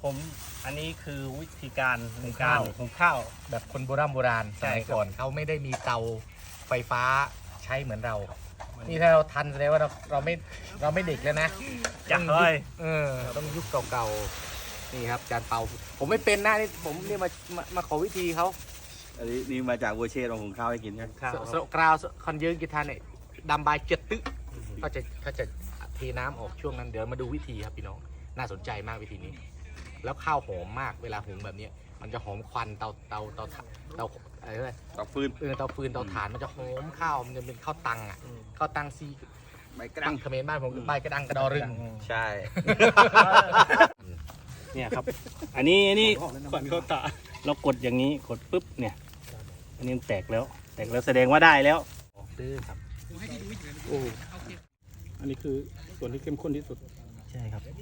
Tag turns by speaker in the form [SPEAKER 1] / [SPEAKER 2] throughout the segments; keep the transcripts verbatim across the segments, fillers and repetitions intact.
[SPEAKER 1] ผมอันนี้คือวิธีการในการหุงข้าว
[SPEAKER 2] แบบคนโบราณโบราณส
[SPEAKER 1] ใช่
[SPEAKER 2] มัย
[SPEAKER 1] ครับ
[SPEAKER 2] ก่อนเขาไม่ได้มีเตาไฟฟ้าใช้เหมือนเรา นี่ถ้าเราทันแสดงว่าเราเราไม่เราไม่เด็กแล้วนะ
[SPEAKER 1] จักเลย
[SPEAKER 2] เออต้องยุคเก่าๆนี่ครับจานเปาผมไม่เป็นนะนี่ผมนี่มามามาขอวิธีเขา
[SPEAKER 3] อันนี้นี่มาจากวัวเชษของหุงข้าวให้กินใช่ไหม
[SPEAKER 1] ข้าว
[SPEAKER 2] สโลกราวคอนเยิงกีทานเนี่ยดำบายเจ็ดตึ๊กก็จะเขาจะเทน้ำออกช่วงนั้นเดี๋ยวมาดูวิธีครับพี่น้องน่าสนใจมากวิธีนี้ แล้วข้าวหอมมากเวลาหุงแบบนี้มันจะหอมควันเตาเตาเตาเตาอะไรนะ
[SPEAKER 3] ตอกฟืน
[SPEAKER 2] เออเตาฟืนเตาถ่านมันจะหอมข้าวมันจะเป็นข้าวตังอ่ะข้าวตังซี
[SPEAKER 3] ใบกระ
[SPEAKER 2] ตั
[SPEAKER 3] ดั
[SPEAKER 2] ง
[SPEAKER 3] ง
[SPEAKER 2] เขมรบ้านผมใบกระดังกระดอรึง
[SPEAKER 3] ใช่
[SPEAKER 1] เนี่ยครับ อันนี้อันนี้ก่อนเขาตะเรากดอย่างนี้กดปุ๊บเนี่ย อันนี้มันแตกแล้ว แตกแล้วแสดงว่าได้แล้วดื้อครับ
[SPEAKER 4] โอ้อันนี้คือส่วนที่เข้มข้นที่สุด
[SPEAKER 1] ใช่ครับ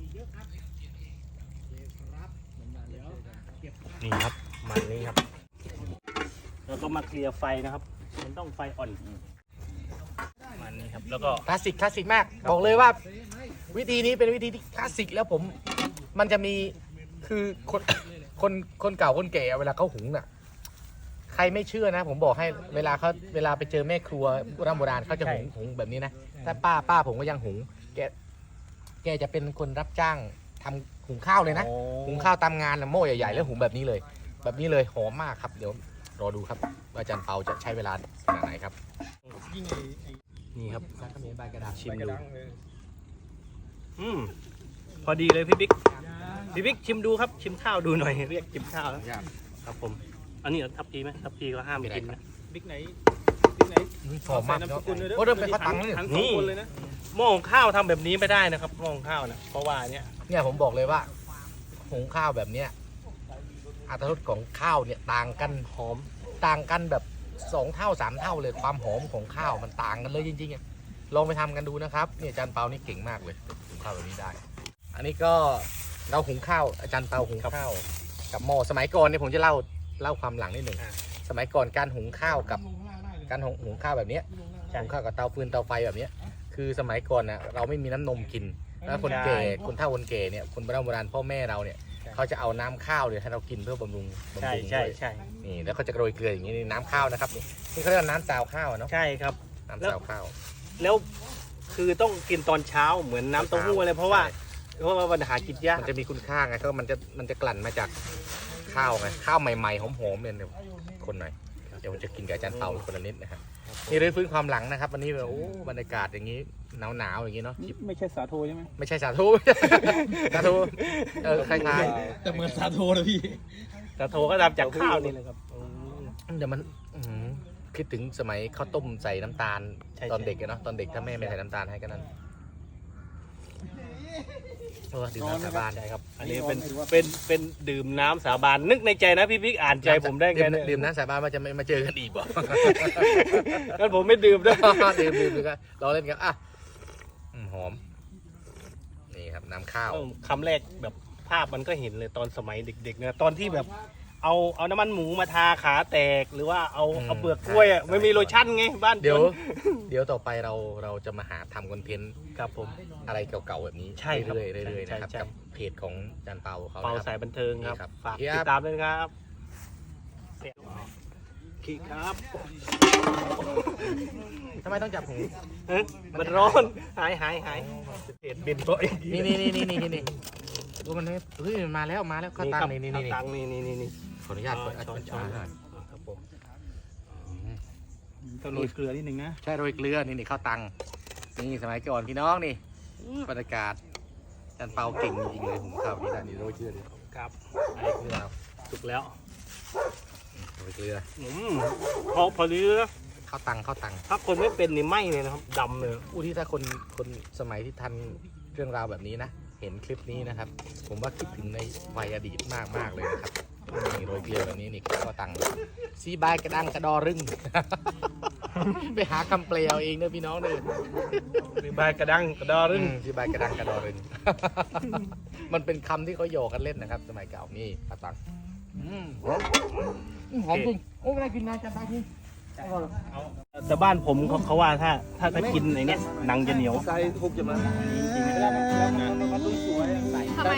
[SPEAKER 1] นี่ครับมันนี่ครับแล้วก็มาเคลียร์ไฟนะครับ มันต้องไฟอ่อนมันนี่ครับแล้วก็
[SPEAKER 2] คลาสสิกคลาสสิกมากบอกเลยว่าวิธีนี้เป็นวิธีที่คลาสสิกแล้วผมมันจะมีคือคนคนคนเก่าคนแก่เวลาเขาหุงน่ะใครไม่เชื่อนะ ผมบอกให้เวลาเขาเวลาไปเจอแม่ครัวโบราณโบราณเขาจะหุงหุงแบบนี้นะถ้าป้าป้าผมก็ยังหุงแกแกจะเป็นคนรับจ้างทำหุงข้าวเลยนะ
[SPEAKER 1] โอ้
[SPEAKER 2] หุงข้าวตามงานน่ะโม่ใหญ่ๆแล้วหุงแบบนี้เลย แบบนี้เลยหอมมากครับเดี๋ยวรอดูครับว่าอาจารย์เปาจะใช้เวลาขนาดไหนครับ
[SPEAKER 4] ยิ่งไอ้ไอ้
[SPEAKER 1] นี่ครับ
[SPEAKER 2] ซักเขมรใบกระดาษ
[SPEAKER 1] ชิม
[SPEAKER 4] ใบกระ
[SPEAKER 1] ดู
[SPEAKER 4] ดังเลย
[SPEAKER 1] อืมพอดีเลยพี่บิ๊กพี่บิ๊กชิมดูครับชิมข้าวดูหน่อยเรียกชิมข้าวแล้วครับผมอันนี้เหรอทับพีไหมทับพีก็ห้ามกินนะ
[SPEAKER 4] บิ๊กไหนบิ๊กไหน
[SPEAKER 2] หอมมาก
[SPEAKER 4] ใส่
[SPEAKER 2] เนาะ
[SPEAKER 4] นามสกุลด้วย
[SPEAKER 2] โอ้เริ่มเป็นข้าวตังค์เลย
[SPEAKER 4] ทั้งสองคนเลยนะ
[SPEAKER 1] หม้อหุงข้าวทำแบบนี้ไม่ได้นะครับหม้อหุงข้าวนะเพราะว่าเนี้ย
[SPEAKER 2] เนี่ยผมบอกเลยว่าหุงข้าวแบบเนี้ยอรรถรสของข้าวเนี่ยต่างกันหอมต่างกันแบบสองเท่าสามเท่าเลยความหอมของข้าวมันต่างกันเลยจริงๆอะลองไปทำกันดูนะครับเนี่ยอาจารย์เปานี่เก่งมากเลยหุงข้าวแบบนี้ได้ อันนี้ก็เราหุงข้าวอาจารย์เปาหุงข้าวกับหม้อสมัยก่อนเนี่ยผมจะเล่าเล่าความหลังนิดหนึ่งสมัยก่อนการหุงข้าวกับการหุงหุงข้าวแบบเนี้ยหุงข้าวกับเตาฟืนเตาไฟแบบเนี้ยคือสมัยก่อนนะเราไม่มีน้ำนมกินแล้วคนแก่คนเฒ่าคนแก่เนี่ยคนโบราณโบราณพ่อแม่เราเนี่ยเขาจะเอาน้ำข้าวเนี่ยให้เรากินเพื่อบำรุงบำ
[SPEAKER 1] ใช่
[SPEAKER 2] รุง
[SPEAKER 1] ใช่
[SPEAKER 2] ด้วย
[SPEAKER 1] ใช่
[SPEAKER 2] นี่แล้วเขาจะโรยเกลืออย่างนี้นี่น้ำข้าวนะครับนี่นี่เขาเรียกว่าน้ำซาวข้าวอะเนาะ
[SPEAKER 1] ใช่ครับ
[SPEAKER 2] น้ำซาวข้าว
[SPEAKER 1] แล้วคือต้องกินตอนเช้าเหมือนน้ำเต้าหู้อะไรเพราะว่าเพราะว่ามันหากินยาก
[SPEAKER 2] มันจะมีคุณค่าไงก็มันจะมันจะกลั่นมาจากข้าวไงข้าวใหม่ๆหอมๆเนี่ยเดี๋ยวคนหน่อยเดี๋ยวผมจะกินกับอาจารย์เปาคนละนิดนะครับนี่เรื่องฟื้นความหลังนะครับวันนี้แบบโอ้บรรยากาศอย่างนี้หนาวๆอย่างนี้เนาะ
[SPEAKER 4] นี่ไม่ใช่สาโทใช่ไหม
[SPEAKER 2] ไม่ใช่สาธุ สาธุเออคล้าย
[SPEAKER 4] แต่เหมือนสาโทนะพี่
[SPEAKER 1] แต่โทก็ทำจากข้าวนี่เลยครับอืม
[SPEAKER 2] ๆเดี๋ยวมันอื้อหือคิดถึงสมัยข้าวต้มใส่น้ำตาล
[SPEAKER 1] ใช่
[SPEAKER 2] ตอนเด็กอะเนาะตอนเด็กถ้าแม่ไม่ใส่น้ำตาลให้ก็นั่นเออดื่มน้ำสาบาน
[SPEAKER 1] ใช่ครับ อันนี้เป็นเป็นเป็นดื่มน้ำสาบานนึกในใจนะพี่บิ๊กอ่านใจผมได้ไง
[SPEAKER 2] ดื่ม
[SPEAKER 1] เนี่ย
[SPEAKER 2] ดื่มน้ำสาบานว่าจะไม่มาเจอกันอีกบ่
[SPEAKER 1] งั้นผมไม่ดื่มด้วย
[SPEAKER 2] ดื่มดื่มดูกันรอเล่นกันอ่ะอืมหอมนี่ครับน้ำข้าว
[SPEAKER 1] คำแรกแบบภาพมันก็เห็นเลยตอนสมัยเด็กๆนะตอนที่แบบเอาเอาน้ำมันหมูมาทาขาแตกหรือว่าเอาเอาเปลือกกล้วยอ่ะไม่มีโลชั่นไงบ้าน
[SPEAKER 2] เดี๋ยว
[SPEAKER 1] จน
[SPEAKER 2] เดี๋ยวต่อไปเราเราจะมาหาทำคอนเทนต์
[SPEAKER 1] ครับผม
[SPEAKER 2] อะไรเก่าๆแบบนี้
[SPEAKER 1] ใช่ครับ
[SPEAKER 2] เรื่อยๆเรื่อยๆ
[SPEAKER 1] ใช่
[SPEAKER 2] นะครับ
[SPEAKER 1] ใช่
[SPEAKER 2] กับเพจของอาจารย์เปาเขา
[SPEAKER 1] เป่า
[SPEAKER 2] นะครับ
[SPEAKER 1] สายบันเทิงครับ
[SPEAKER 2] นี่ครับ
[SPEAKER 1] ฝาก
[SPEAKER 2] ครับ
[SPEAKER 1] ติดตามด้วยนะครับขีครับ
[SPEAKER 2] ทำไมต้องจับหู
[SPEAKER 1] เอ้ยมันร้อนหายหายหายเห็นบินตัวเอง
[SPEAKER 2] นี่นี่นี่นี่นี่นี่ดูมันนี่เฮ้ยมันมาแล้วมาแล้วข้าวตัง
[SPEAKER 1] ครับ
[SPEAKER 2] นี่นี่นี่
[SPEAKER 1] ข้าวตังนี่นี่นี่นี่
[SPEAKER 2] ขออนุญาต
[SPEAKER 1] อ๋อ
[SPEAKER 2] เปิด
[SPEAKER 1] ช้อนช้อน
[SPEAKER 2] หน่อย
[SPEAKER 1] ครับผม
[SPEAKER 4] ต้องโรยเกลือนิดนึงนะ
[SPEAKER 2] ใช่โรยเกลือนี่นี่ข้าวตังนี่สมัยก่อนพี่น้องนี่บรรยากาศอาจารย์เปาเก่งจริงๆเลยผมข้าวนี่ได้นี่โรยเกลือดิ
[SPEAKER 1] ครับ
[SPEAKER 2] โรยเกลือครับ
[SPEAKER 1] สุกแล้ว
[SPEAKER 2] โรยเกลือ
[SPEAKER 1] อืมพอพอดีนะ
[SPEAKER 2] ข้าวตังข้าวตัง
[SPEAKER 1] ถ้าคนไม่เป็นนี่ไหมเลยนะครับดำเลย
[SPEAKER 2] อู้ที่ถ้าคนคนสมัยที่ทันเรื่องราวแบบนี้นะ เห็นคลิปนี้นะครับ ผมว่าคิดถึงในวัยอดีตมากมากๆเลยนะครับนี่โรยเกลือแบบนี้นี่ข้าวตังซีบายกระดังกระดอรึง ไปหาคำเปลเอาเองเนอะพี่น้องเนอะ
[SPEAKER 1] มีใบกระดังกระดอ
[SPEAKER 2] อื
[SPEAKER 1] รึง
[SPEAKER 2] มซีบายกระดังกระดอรึง มันเป็นคำที่เขาโยกกันเล่นนะครับ สมัยเก่านี่ข้าวตังอืมหอมจริงโอ้ไม่ได้กินนานจังไปจริง
[SPEAKER 1] แต่บ้านผมเขาเขาว่าถ้าถ้าถ้ากินไอ้เนี้ยหนังจะเหนียว
[SPEAKER 3] ใส่ทุกจะมา
[SPEAKER 4] จริงๆแล้วมันแล้วมันมันต้องสวยใส่
[SPEAKER 2] แต่
[SPEAKER 5] ไม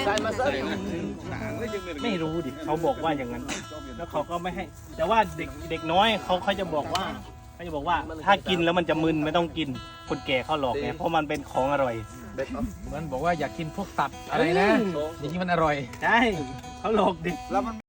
[SPEAKER 1] ไม่รู้ดิเขาบอกว่าอย่างนั้น แล้วเขาก็ไม่ให้ แต่ว่าเด็กเด็กน้อยเขาเขาจะบอกว่าเขาจะบอกว่าถ้ากินแล้วมันจะมึนไม่ต้องกินคนแก่เขาหลอกไงเพราะมันเป็นของอร่อย
[SPEAKER 2] เหมือนบอกว่าอยากกินพวกตับอะไรนะ อย่างนี้มันอร่อย
[SPEAKER 1] ใช่เขาหลอกเด็ก
[SPEAKER 3] แล้วมัน